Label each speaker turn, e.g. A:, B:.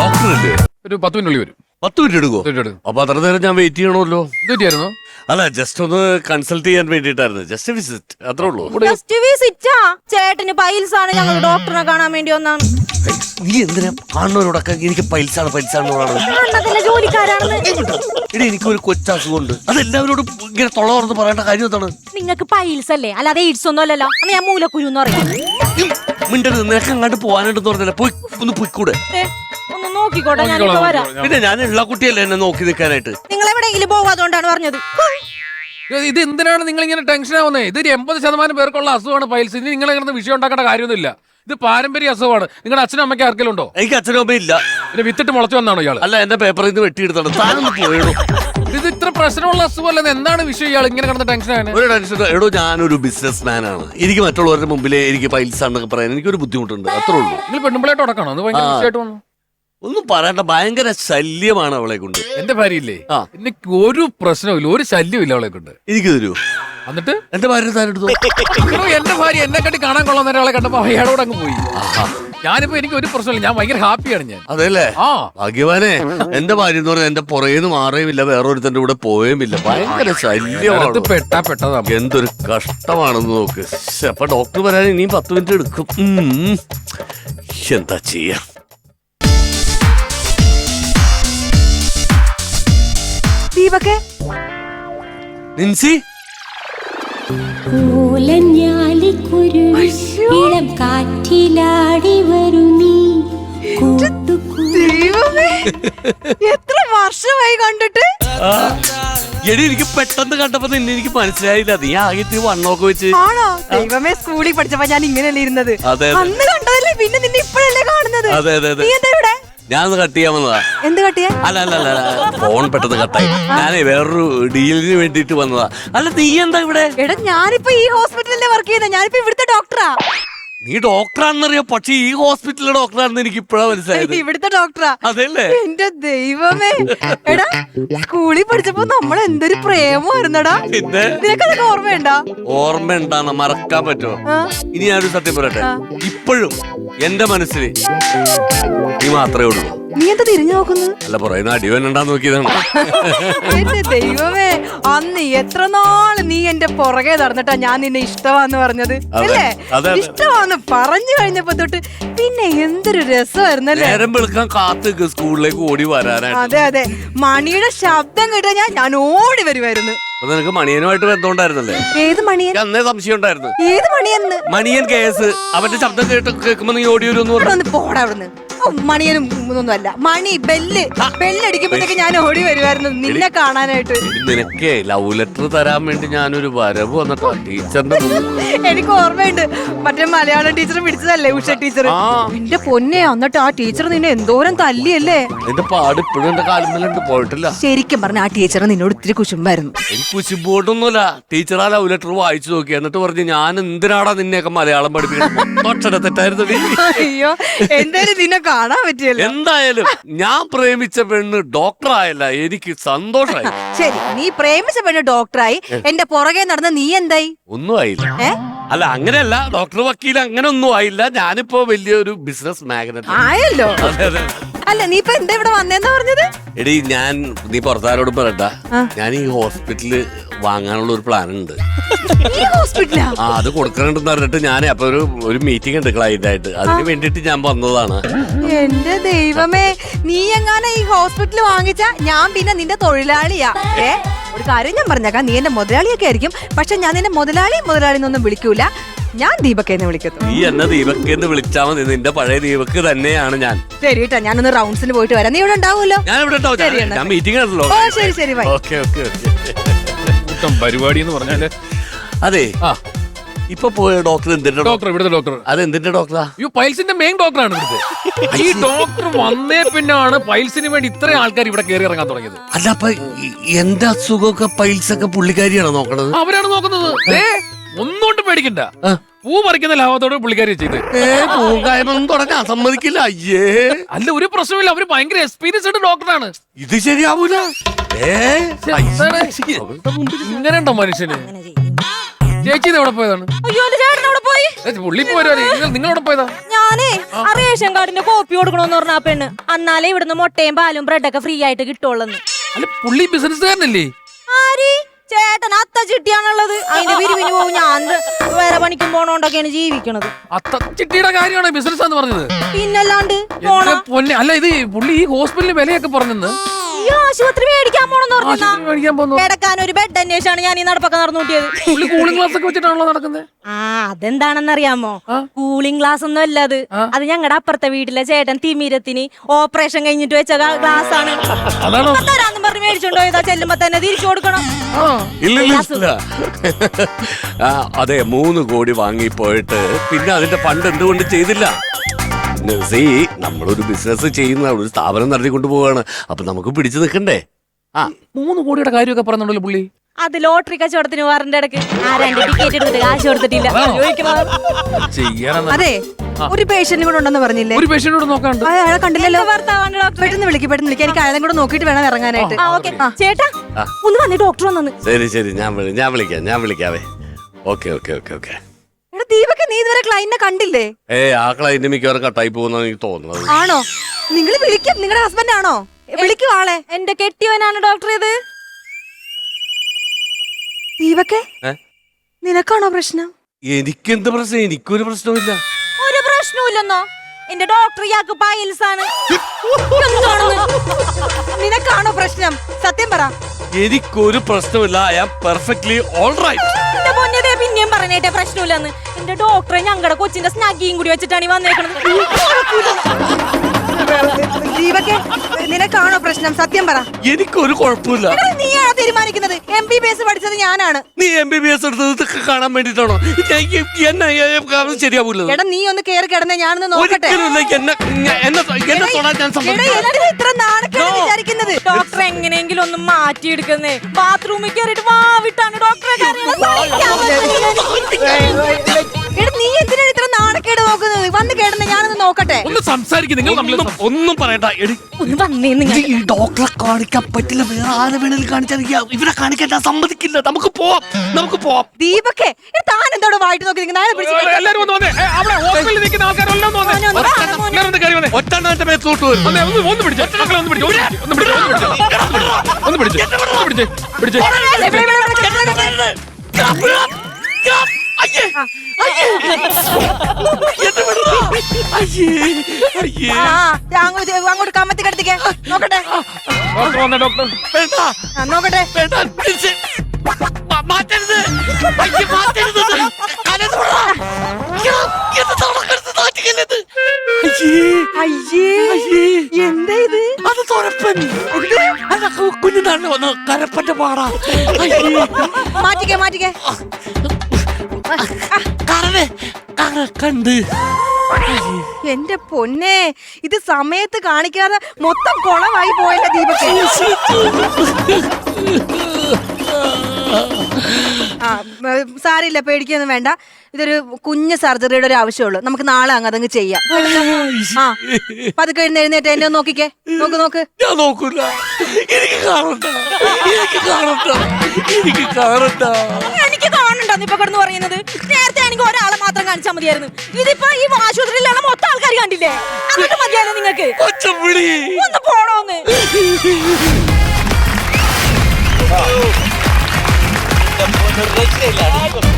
A: Doctor അല്ലേ?
B: ഒരു 10 minute വരും.
A: 10 മിനിറ്റ് എടുക്കുമോ? അപ്പൊ അത്ര നേരം ഞാൻ വെയിറ്റ് ചെയ്യണമല്ലോ.
B: ഇതായിരുന്നു
A: അല്ല, ജസ്റ്റ് ഒന്ന് കൺസൾട്ട് ചെയ്യാൻ വേണ്ടിട്ടായിരുന്നു. ജസ്റ്റ് വിസിറ്റ്, അത്രേ ഉള്ളൂ.
C: ജസ്റ്റ് വിസിറ്റാ? ചേട്ടന് പൈൽസ് ആണ്, ഞങ്ങൾ ഡോക്ടറിനെ കാണാൻ വേണ്ടി വന്നാണ്.
A: നീ എന്തിനാ കാണുന്നവരോടൊക്കെ എനിക്ക് പൈൽസാണ്
C: ജോലിക്കാരാണെന്ന്?
A: എടി, എനിക്കൊരു കൊച്ചസുഖമുണ്ട്. അതെല്ലാവരോടും ഇങ്ങനെ തൊള തുറന്ന് പറയേണ്ട കാര്യം എന്താണ്?
C: നിങ്ങൾക്ക് പൈൽസ് അല്ലേ, അല്ലാതെ എയ്ഡ്സ് ഒന്നും അല്ലല്ലോ. അന്ന് ഞാൻ മൂലക്കുരു എന്ന് പറയാം.
A: മിണ്ടരുത്, നിനക്ക് അങ്ങോട്ട് പോകാനായിട്ട് പറഞ്ഞില്ല. പോയി ഒന്ന് പോയിക്കൂടെ?
C: ഒന്ന് നോക്കിക്കോട്ടെ, ഞാനിപ്പോ വരാം.
A: പിന്നെ ഞാൻ ഉള്ള കുട്ടിയല്ലേ എന്നെ നോക്കി നിൽക്കാനായിട്ട്.
C: നിങ്ങൾ എവിടെയെങ്കിലും പോവാതുകൊണ്ടാണ് പറഞ്ഞത്.
B: ഇത് എന്തിനാണ് നിങ്ങൾ ഇങ്ങനെ ടെൻഷൻ ആവുന്നത്? ഇത് 80% പേർക്കുള്ള അസുഖമാണ് പൈൽസ്. ഇനി നിങ്ങൾ ഇങ്ങനെ വിഷയം ഉണ്ടാക്കേണ്ട കാര്യമൊന്നുമില്ല. ഇത് പാരമ്പര്യ അസുഖമാണ്. നിങ്ങളുടെ അച്ഛനും അമ്മയ്ക്ക് ആർക്കെങ്കിലും ഉണ്ടോ?
A: എനിക്ക് അച്ഛനും അമ്മ ഇല്ല.
B: പിന്നെ വിത്തിട്ട് മുളച്ചു വന്നാണോ ഇയാൾ?
A: അല്ല, എന്റെ പേപ്പറിൽ നിന്ന് വെട്ടിയെടുത്താണ്. താനൊന്ന് പോയിടും.
B: ഇത് ഇത്ര പ്രശ്നമുള്ള അസുഖമല്ലെന്ന് എന്താണ് വിഷയം? ഇയാൾ ഇങ്ങനെ കിടന്ന ടെൻഷനാണ്.
A: ഒരു ടെൻഷൻ എടോ, ഞാനൊരു ബിസിനസ് മാൻ ആണ്. എനിക്ക് മറ്റുള്ളവരുടെ മുമ്പിലെ എനിക്ക് പൈൽസ് ആണെന്നൊക്കെ പറയാൻ എനിക്കൊരു ബുദ്ധിമുട്ടുണ്ട്, അത്രേ ഉള്ളൂ.
B: നിങ്ങൾ പെണ്ണുമ്പിളായിട്ട് ഉടക്കണോ? അത് ഭയങ്കര വിഷയമായിട്ട് വന്നു.
A: ഒന്നും പറയണ്ട, ഭയങ്കര ശല്യമാണ് അവളെ കൊണ്ട്.
B: എന്റെ ഭാര്യയില്ലേ, എനിക്ക് ഒരു പ്രശ്നമില്ല, ഒരു ശല്യമില്ല അവളെ കൊണ്ട്.
A: എനിക്ക് തരൂ.
B: എന്നിട്ട്
A: എന്റെ ഭാര്യ താരെടുത്തു.
B: എന്റെ ഭാര്യ എന്നെ കണ്ടി കാണാൻ കൊള്ളാൻ ഒരാളെ കണ്ടപ്പോ അയാളോട് അങ്ങ് പോയി. ഞാനിപ്പോ എനിക്ക് ഒരു പ്രശ്നമില്ല, ഞാൻ ഭയങ്കര ഹാപ്പിയാണ് ഞാൻ.
A: അതെല്ലേ? ഭാഗ്യവാനെ. എന്റെ ഭാര്യ എന്ന് പറഞ്ഞാൽ എന്റെ പുറകേന്ന് മാറുകയുമില്ല, വേറൊരുത്തന്റെ കൂടെ പോവുകയില്ല. ഭയങ്കര ശല്യമാണ്.
B: പെട്ടതാ.
A: എന്തൊരു കഷ്ടമാണെന്ന് നോക്ക്. അപ്പൊ ഡോക്ടർ വരാൻ ഇനിയും 10 മിനിറ്റ് എടുക്കും. എന്താ ചെയ്യാ?
C: ദീപകേ,
A: നിൻസി,
D: ഇളം കാറ്റിലാടി വരൂ നീ.
C: എത്ര വർഷമായി കണ്ടിട്ട്.
A: എടി, എനിക്ക് പെട്ടെന്ന് കണ്ടപ്പോ നിന്നെ എനിക്ക് മനസ്സിലായില്ല. നീ ആകെ വണ്ണമൊക്കെ വെച്ച്.
C: ആണോ? ദൈവമേ, സ്കൂളിൽ പഠിച്ചപ്പോ ഞാൻ ഇങ്ങനെയല്ലേ ഇരുന്നത്. അന്ന് കണ്ടതല്ലേ, പിന്നെ നിന്നെ ഇപ്പോഴല്ലേ കാണുന്നത്.
A: അതെ അതെ അതെ.
C: നീ എന്താ ഇവിടെ?
A: ഞാനൊന്ന് കട്ട് ചെയ്യാൻ വന്നതാ.
C: എന്ത് കട്ടിയാ?
A: അല്ല അല്ല അല്ല, ഫോൺ പെട്ടെന്ന് കട്ടായി. ഞാനേ വേറൊരു ഡീലിന് വേണ്ടിട്ട് വന്നതാ. അല്ല, നീ എന്താ ഇവിടെ?
C: എടാ, ഞാനിപ്പോ ഈ ഹോസ്പിറ്റലിലെ വർക്ക് ചെയ്യുന്നത്. ഞാനിപ്പോ ഇവിടുത്തെ ഡോക്ടറാ.
A: നീ ഡോക്ടറാണെന്നറിയാം, പക്ഷെ ഈ ഹോസ്പിറ്റലിലെ ഡോക്ടറാണെന്ന് എനിക്ക് ഇപ്പഴാ മനസ്സിലായത്.
C: ഇവിടുത്തെ ഡോക്ടറാ.
A: അതല്ലേ?
C: എന്റെ ദൈവമേ. എടാ, സ്കൂളിൽ പഠിച്ചപ്പോ നമ്മൾ എന്തൊരു പ്രേമമായിരുന്നടാ.
A: പിന്നെ
C: നിനക്കതൊക്കെ ഓർമ്മയുണ്ടാ?
A: ഓർമ്മ ഉണ്ടാന്ന് മറക്കാൻ പറ്റുമോ? ഇനി ഞാനൊരു സത്യം പറയട്ടെ, ഇപ്പോഴും എന്റെ മനസ്സിൽ നീ മാത്രമേ ഉള്ളൂ.
C: നീ എന്താ തിരിഞ്ഞു നോക്കുന്നു?
A: അല്ല, പറയുന്ന അടിവനുണ്ടാന്ന് നോക്കിയതാണ്.
C: എന്റെ ദൈവമേ, അന്ന് എത്ര നാള് നീ എന്റെ പുറകെ നടന്നിട്ടാ ഞാൻ നിന്നെ ഇഷ്ടമാന്ന് പറഞ്ഞത് അല്ലേ? ഇഷ്ടമാന്ന് പറഞ്ഞു കഴിഞ്ഞപ്പോ തൊട്ട് പിന്നെ എന്തൊരു രസമായിരുന്നല്ലേ.
A: നേരം വെളുക്കാൻ കാത്ത് സ്കൂളിലേക്ക് ഓടി വരാനായിട്ട്.
C: അതെ അതെ, മണിയുടെ ശബ്ദം കേട്ടാ ഞാൻ ഓടി വരുമായിരുന്നു.
A: അപ്പൊ നിനക്ക് മണിയനുമായിട്ട് ബന്ധമുണ്ടായിരുന്നല്ലേ?
C: ഏത് മണിയൻ?
A: അന്നേ സംശയം ഉണ്ടായിരുന്നു.
C: ഏത് മണിയെന്ന്?
A: മണിയൻ കേസ്. അവന്റെ ശബ്ദം കേൾക്കുമ്പോ നീ ഓടി വരുമെന്ന് പറഞ്ഞു.
C: പോടാ അവിടുന്ന്. മണിയനും ഒന്നും അല്ല, മണി ബെല്ലടിക്കുമ്പോഴത്തേക്ക് ഞാൻ ഓടി വരുമായിരുന്നു നിന്നെ കാണാനായിട്ട്.
A: നിനക്കേ ലവ് ലെറ്റർ തരാൻ വേണ്ടി ഞാനൊരു വരവ് വന്നിട്ടാ ടീച്ചറിന്റെ.
C: എനിക്ക് ഓർമ്മയുണ്ട്, മറ്റേ മലയാളം ടീച്ചർ പിടിച്ചതല്ലേ, ഉഷ ടീച്ചർ. എന്റെ പൊന്നെ, എന്നിട്ട് ആ ടീച്ചർ നിന്നെ എന്തോരം തല്ലിയല്ലേ.
A: എന്റെ പാട് ഇപ്പോഴും എന്റെ കാലിന്മേലുണ്ട്, പോയിട്ടില്ല.
C: ശരിക്കും പറഞ്ഞ ആ ടീച്ചർ നിന്നോട് ഇത്തിരി കുശുമ്പായിരുന്നു.
A: എനിക്ക് കുശുമ്പോട്ടൊന്നുമില്ല. ടീച്ചർ ആ ലവ് ലെറ്റർ വായിച്ചു നോക്കി, എന്നിട്ട് പറഞ്ഞു, ഞാൻ എന്തിനാടാ നിന്നെയൊക്കെ മലയാളം പഠിപ്പിക്കുന്നത്. അക്ഷര തെറ്റായിരുന്നു.
C: അയ്യോ, എന്തായാലും നിന്നെ കാണാൻ പറ്റിയല്ലോ.
A: എന്തായാലും ഞാൻ പ്രേമിച്ച പെണ്ണ് ഡോക്ടറായല്ല, എനിക്ക് സന്തോഷമായി.
C: ശരി, നീ പ്രേമിച്ച പെണ്ണ് ഡോക്ടറായി, എന്റെ പുറകെ നടന്ന നീ എന്തായി?
A: ഒന്നും ആയില്ല. അല്ല, അങ്ങനെയല്ല, ഡോക്ടർ വക്കീൽ അങ്ങനെ ഒന്നും ആയില്ല. ഞാനിപ്പോ വലിയൊരു ബിസിനസ് മാഗ്നറ്റ്
C: ആയല്ലോ. അല്ല, നീ ഇപ്പൊ എന്താ ഇവിടെ വന്നേന്നാ പറഞ്ഞത്?
A: എടി, നീ പുറത്താരോട് പറയണ്ട, ഞാൻ ഈ ഹോസ്പിറ്റല് വാങ്ങാനുള്ള ഒരു പ്ലാൻ ഉണ്ട്. അത് കൊടുക്കണമെന്ന് പറഞ്ഞിട്ട് ഞാൻ അപ്പൊ ഒരു മീറ്റിംഗ് ഉണ്ട് ക്ലൈന്റ് ആയിട്ട്. അതിന് വേണ്ടിട്ട് ഞാൻ വന്നതാണ്.
C: എന്റെ ദൈവമേ, നീ എങ്ങാനും ഈ ഹോസ്പിറ്റൽ വാങ്ങിച്ച ഞാൻ പിന്നെ നിന്റെ തൊഴിലാളിയാ. ഒരു കാര്യം ഞാൻ പറഞ്ഞേക്കാം, നീ എന്റെ മുതലാളിയൊക്കെ ആയിരിക്കും, പക്ഷെ ഞാൻ നിന്റെ മുതലാളിന്നൊന്നും വിളിക്കൂല. ഞാൻ ദീപക്കെന്ന് വിളിക്കുന്നു.
A: നീ എന്നെ ദീപക്കെന്ന് വിളിച്ചാൽ മതി. നിന്റെ പഴയ ദീപക്ക് തന്നെയാണ് ഞാൻ.
C: ശരി കേട്ടോ, ഞാനൊന്ന് റൗണ്ട്സിന് പോയിട്ട് വരാം. നീ ഇവിടെ ഉണ്ടാവുമല്ലോ?
A: ഞാൻ ഇവിടെ ഉണ്ടാവും. ഞാൻ മീറ്റിംഗ് ആണല്ലോ.
C: ശരി ശരി, ബൈ.
B: പരിപാടി എന്ന് പറഞ്ഞാല്
A: അതെ. ഇപ്പൊ പോയ ഡോക്ടർ എന്തിന്റെ
B: ഡോക്ടർ? ഇവിടുത്തെ ഡോക്ടർ.
A: അത് എന്തിന്റെ ഡോക്ടറാ?
B: പൈൽസിന്റെ മെയിൻ ഡോക്ടറാണ് ഇവിടുത്തെ. ഈ ഡോക്ടർ വന്നേ പിന്നാണ് പൈൽസിന് വേണ്ടി ഇത്രയും ആൾക്കാർ ഇവിടെ കയറി ഇറങ്ങാൻ തുടങ്ങിയത്.
A: അല്ല, അപ്പൊ എന്റെ അസുഖമൊക്കെ പൈൽസ് ഒക്കെ പുള്ളിക്കാരിയാണ് നോക്കണത്?
B: അവരാണ് നോക്കുന്നത്. ഒന്നുകൊണ്ടും പേടിക്കണ്ട, പൂ പറിക്കുന്ന ലാഭത്തോടെ പുള്ളിക്കാരി ചെയ്ത്.
A: പൂങ്കായ്മൊന്നും തുടങ്ങാൻ സമ്മതിക്കില്ല. അയ്യേ,
B: അല്ല, ഒരു പ്രശ്നമില്ല. അവര് ഭയങ്കര എക്സ്പീരിയൻസ്ഡ് ഡോക്ടറാണ്.
A: ഇത് ശരിയാവൂല.
B: ഇങ്ങനെ ഉണ്ടോ മനുഷ്യന്? ചേച്ചി എവിടെ പോയതാണ്?
C: അയ്യോ, ചേട്ടൻ അവിടെ പോയി. പോയി
B: പുള്ളി പോരാ നിങ്ങളോട് പോയതാ
E: ഞാനേ ആ റേഷൻ കാർഡിന്റെ കോപ്പി കൊടുക്കണോന്ന് പറഞ്ഞ ആ പെണ്ണ് അന്നാലേ ഇവിടുന്ന് മുട്ടയും പാലും ബ്രെഡൊക്കെ ഫ്രീ ആയിട്ട് കിട്ടുള്ളൂ.
B: അല്ല പുള്ളി ബിസിനസ്സുകാരനല്ലേ?
E: ആര് ചേട്ടൻ അത്ത ചിട്ടിയാണുള്ളത്. അതിന്റെ പിരിവിന് പോകും. ഞാൻ വേറെ പണിക്കും പോണോണ്ടൊക്കെയാണ് ജീവിക്കണത്.
B: അത്ത ചിട്ടിയുടെ കാര്യമാണ് ബിസിനസ് എന്ന് പറഞ്ഞത്.
E: പിന്നല്ലാണ്ട്
B: എന്റെ പൊന്നെ, അല്ല ഇത് പുള്ളി ഈ ഹോസ്പിറ്റലിന് വിലയൊക്കെ പറഞ്ഞെന്ന്.
E: ഈ ആശുപത്രി മേടിക്കാൻ പോണെന്ന്
B: ആശുപത്രി മേടിക്കാൻ പോകുന്നു.
E: കിടക്കാൻ ഒരു ബെഡ് അന്വേഷിച്ചാണ് ഞാൻ ഈ നടപ്പൊക്കെ നടന്നു കൂട്ടിയത്.
B: പുള്ളി കൂളിംഗ് ഗ്ലാസ് ഒക്കെ വെച്ചിട്ടാണല്ലോ നടക്കുന്നത്.
E: ആ അതെന്താണെന്നറിയാമോ? കൂളിംഗ് ഗ്ലാസ് ഒന്നും അല്ല അത്. അത് ഞങ്ങളുടെ അപ്പുറത്തെ വീട്ടിലെ ചേട്ടൻ തിമിരത്തിന് ഓപ്പറേഷൻ കഴിഞ്ഞിട്ട് വെച്ച ഗ്ലാസ് ആണ്. തരാന്നും പറഞ്ഞ് മേടിച്ചോണ്ടോ പോയതാ. ചെല്ലുമ്പോ തന്നെ തിരിച്ചു കൊടുക്കണം.
A: ഇല്ല അതെ 3 കോടി വാങ്ങിപ്പോയിട്ട് പിന്നെ അതിന്റെ ഫണ്ട് എന്തുകൊണ്ട് ചെയ്തില്ല? നമ്മളൊരു ബിസിനസ് ചെയ്യുന്ന ഒരു സ്ഥാപനം നടത്തിക്കൊണ്ട് പോവാണ്. അപ്പൊ നമുക്ക് പിടിച്ചു നിൽക്കണ്ടേ?
B: 3 കോടിയുടെ കാര്യമൊക്കെ പറഞ്ഞോണ്ടല്ലോ പുള്ളി.
E: അത് ലോട്ടറി കച്ചവടത്തിന് വാറിന്റെ ഇടയ്ക്ക് ആരാണ്ട് ടിക്കറ്റ് എടുത്തിട്ട് കാശ് കൊടുത്തിട്ടില്ല.
C: അതെ ഒരു പേഷ്യന്റ് കൂടെ ഉണ്ടെന്ന് പറഞ്ഞില്ലേ?
B: ഒരു പേഷ്യന്റോട് നോക്കാണ്ട്
C: അയാളെ കണ്ടില്ലല്ലോ.
E: ഭർത്താവാണ് ഡോക്ടർ.
C: പെട്ടെന്ന് വിളിക്കും. എനിക്ക് അയാളെ കൂടെ നോക്കിയിട്ട് വേണം ഇറങ്ങാനായിട്ട്.
E: ചേട്ടാ ഒന്ന് വന്നേ, ഡോക്ടർ വന്നു.
A: ശരി ഞാൻ വിളിക്കാവേ. ഓക്കെ.
C: എടാ ദീപക്, നീ ഇതുവരെ ക്ലൈന്റിനെ കണ്ടില്ലേ?
A: ആ ക്ലൈന്റ് മിക്കവാറും കട്ടായി പോകുന്ന എനിക്ക് തോന്നുന്നത്.
C: ആണോ? നിങ്ങൾ വിളിക്കും. നിങ്ങളുടെ ഹസ്ബൻഡ് ആണോ? വിളിക്കും ആളെ.
E: എന്റെ കെട്ടിയവനാണ് ഡോക്ടർ. ഇത്
C: ദീപക്, നിനക്കാണോ പ്രശ്നം?
A: എനിക്കെന്ത് പ്രശ്നം? എനിക്കൊരു പ്രശ്നമില്ല.
E: ഒരു പ്രശ്നമില്ലെന്നോ? എന്റെ ഡോക്ടർ ഇയാൾക്ക് പൈൽസ് ആണ്.
C: നിനക്കാണോ പ്രശ്നം? സത്യം പറ.
A: എനിക്കൊരു പ്രശ്നമില്ല. I am perfectly alright.
E: എന്റെ പൊന്നേ, പിന്നെയും പറഞ്ഞേട്ടെ പ്രശ്നമില്ലെന്ന്. എന്റെ ഡോക്ടറെ ഞങ്ങളുടെ കൊച്ചിന്റെ സ്നാഗിയും കൂടി വെച്ചിട്ടാണ് ഈ വന്നേക്കണത്.
C: ദീപക്, നിനക്കാണോ പ്രശ്നം? സത്യം പറ.
A: എനിക്കൊരു കുഴപ്പമില്ല.
C: നീയാണ് തീരുമാനിക്കുന്നത്. MBBS പഠിച്ചത് ഞാനാണ്.
A: നീ MBBS എടുത്തത് കാണാൻ വേണ്ടിട്ടാണോ? ശരിയാവൂല.
C: എടാ നീ ഒന്ന് കേറി കിടന്നേ, ഞാനൊന്ന് നോക്കട്ടെ. ഇത്ര നാണക്കേട് വിചാരിക്കുന്നത്?
E: ഡോക്ടർ എങ്ങനെയെങ്കിലും ഒന്ന് മാറ്റിയെടുക്കുന്നേ. ബാത്റൂമിൽ കയറിയിട്ട് വാവിട്ടാണ് ഡോക്ടറെ
C: എടാ നീ എന്തിനാണ് ഇത്ര നാണക്കേട് നോക്കുന്നത്? വന്ന് കേടന്നെ, ഞാനൊന്ന് നോക്കട്ടെ.
B: ഒന്ന് സംസാരിക്കും. നിങ്ങൾ
A: ഒന്നും പറയണ്ട.
E: ഒന്ന് വന്നേ. നിങ്ങൾ
A: ഈ ഡോക്ടറെ കാണിക്കാൻ പറ്റില്ല. വേറെ ആരെ വേണേലും കാണിച്ചാൽ ഇവരെ കാണിക്കാൻ ഞാൻ സമ്മതിക്കില്ല. നമുക്ക് പോവാം.
C: ദീപക്കെ, താൻ എന്തോടെ വായിട്ട് നോക്കി
B: എല്ലാരും ഒന്ന് വന്നേ. അവിടെ ഹോസ്പിറ്റലിൽ നിൽക്കുന്ന ആൾക്കാരെല്ലാം ഒന്ന് വന്നേ. എല്ലാവരും ഒന്ന് കയറി വന്നേ.
A: ഒറ്റ മേത്തോട്ട് വരും.
B: ഒന്ന് പിടിച്ചേ.
C: അങ്ങോട്ട് കമ്മത്തി കിടത്തിക്കേ. നോക്കട്ടെ.
B: ഡോക്ടർ
C: നോക്കട്ടെ.
A: മാറ്റരുത്.
C: എന്താ ഇത്?
A: അത് തുറപ്പൻ. കുഞ്ഞിനാണ് വന്ന് കരപ്പന്റെ പാടാ.
C: മാറ്റിക്കേ.
A: കണ്ട്
C: എന്റെ പൊന്നെ, ഇത് സമയത്ത് കാണിക്കാതെ മൊത്തം കുളമായി പോയല്ലേ ദീപക്. സാരില്ല, പേടിക്കൊന്നും വേണ്ട. ഇതൊരു കുഞ്ഞ് സർജറിയുടെ ഒരു ആവശ്യമുള്ളൂ. നമുക്ക് നാളെ അതങ്ങ് ചെയ്യാം. പതുക്കെ എഴുന്നേറ്റ് എന്നെ നോക്കിക്കേ. നോക്ക്.
A: ഞാൻ നോക്കൂല. എനിക്ക് കാണണ്ട.
E: എനിക്ക് കാണണ്ടെന്ന് ഇപ്പൊ കിടന്ന് പറയുന്നത്. നേരത്തെ എനിക്ക് ഒരാളെ മാത്രം കാണിച്ചാൽ മതിയായിരുന്നു. ഇതിപ്പോ ഈ ആശുപത്രിയിലുള്ള മൊത്തം ആൾക്കാർ കണ്ടില്ലേ? എന്നിട്ട് മതിയായിരുന്നു നിങ്ങൾക്ക്. ഒന്ന് പോണോന്ന്.